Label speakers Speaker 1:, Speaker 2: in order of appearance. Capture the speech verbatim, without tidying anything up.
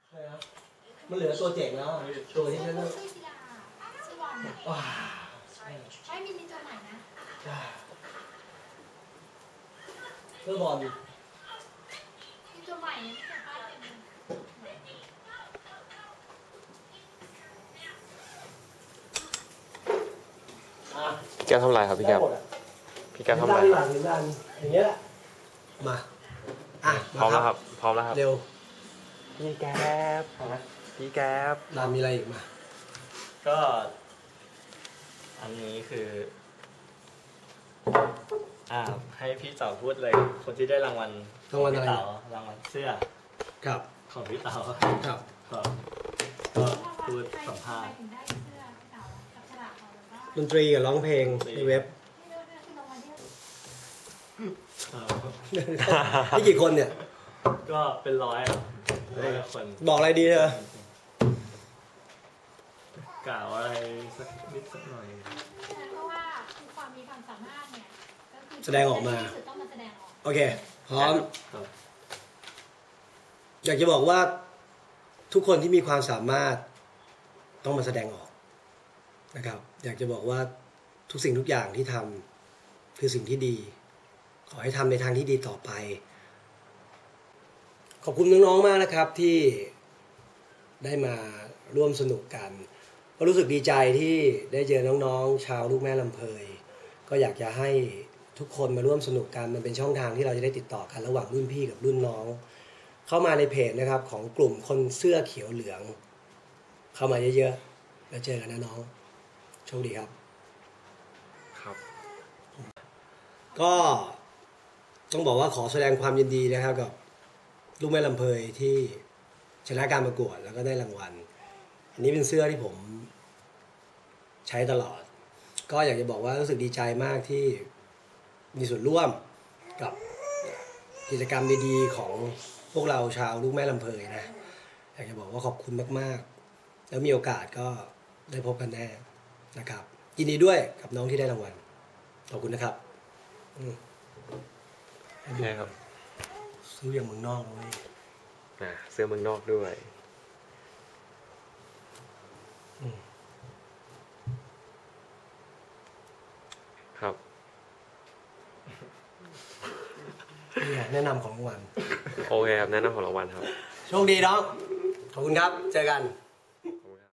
Speaker 1: ใช่ครับมันเหลือตัวเจ๋งแล้วตัวที่ฉัน
Speaker 2: ชื่อกีฬาชื่อบอลเนี่ย
Speaker 1: ว้า
Speaker 2: ไม่มีมีตัวใหม่นะ
Speaker 1: เพื่อบอล
Speaker 2: มีตัวใหม่เนี่ยที่ป้ายเต็มเลย
Speaker 1: อ่ะ
Speaker 3: แก้วทำไรครับพี่แก้ว
Speaker 1: ได้หมดอะ
Speaker 3: พี่แก้วทำไร
Speaker 1: ด้านห
Speaker 3: ค
Speaker 1: ลั
Speaker 3: รับ
Speaker 1: งด้านอย่างเงี้ยแหละมาอ่ะ
Speaker 3: พร้อมแล้ว
Speaker 1: า
Speaker 3: ครับพร้อมแล้วครับ
Speaker 1: เร็ว
Speaker 3: พี่แก้วพี่แก้ว
Speaker 1: ดานมีอะไรอีกมา
Speaker 4: ก็อันนี้คืออ่าให้พี่เต๋าพูดเลยคนที่ได้รางวัล
Speaker 1: รางวัลอะไร
Speaker 4: พี่เต๋ารางวัลเสื้อ
Speaker 1: ครับ
Speaker 4: ของพี่เต๋า
Speaker 1: ครับ
Speaker 4: ครับก็พูดสัมภาษณ์
Speaker 2: ใครถึงได้เสื้อเก่ากับฉลากเราหรือว่า
Speaker 1: ดนตรีกับร้องเพลงในเว็บ
Speaker 2: ที่เลือกได้คือรางวัลที่
Speaker 4: ครับ
Speaker 1: นี่กี่คนเนี่ย
Speaker 4: ก็เป็นร้อยอ่ะร้อยคน
Speaker 1: บอกอะไรดีเธอก
Speaker 4: ล่าวอะไรสักนิดสักหน่อย
Speaker 2: เพราะว่าคือความมีความสามารถเนี่ยก็คือ
Speaker 1: แสดงออกมา
Speaker 2: ที่สุดต้องมาแสดงออก
Speaker 1: โอเค พร้อม
Speaker 4: ครับ
Speaker 1: อยากจะบอกว่าทุกคนที่มีความสามารถต้องมาแสดงออกนะครับ อยากจะบอกว่าทุกสิ่งทุกอย่างที่ทำคือสิ่งที่ดี ขอให้ทำในทางที่ดีต่อไป ขอบคุณน้องๆมากนะครับที่ได้มาร่วมสนุกกันก็รู้สึกดีใจที่ได้เจอน้องๆชาวลูกแม่ลำเพยก็อยากจะให้ทุกคนมาร่วมสนุกกันมันเป็นช่องทางที่เราจะได้ติดต่อกันระหว่างรุ่นพี่กับรุ่นน้อง เข้ามาในเพจนะครับของกลุ่มคนเสื้อเขียวเหลือง เข้ามาเยอะๆแล้วเจอกันนะน้องโชคดีครับ
Speaker 3: ครับ
Speaker 1: ก็ต้องบอกว่าขอแสดงความยินดีนะครับกับลูกแม่ลำเพยที่ชนะการประกวดแล้วก็ได้รางวัล อันนี้เป็นเสื้อที่ผมใช้ตลอด ก็อยากจะบอกว่ารู้สึกดีใจมากที่มีส่วนร่วมกับกิจกรรมดีๆของพวกเราชาวลูกแม่ลำเพยนะอยากจะบอกว่าขอบคุณมากๆแล้วมีโอกาสก็ได้พบกันแน่นะครับยินดีด้วยกับน้องที่ได้รางวัลขอบคุณนะครับอืม
Speaker 3: ใช่ครับ
Speaker 1: ซื้ออย่างเมืองนอกเลย
Speaker 3: อ่าเสื้อเมืองนอกด้วย ครับ
Speaker 1: นี่แนะนำของรางวัล
Speaker 3: โอเคครับแนะนำของรางวัลครับ
Speaker 1: โชคดีน้อง ขอบคุณครับ เจอกัน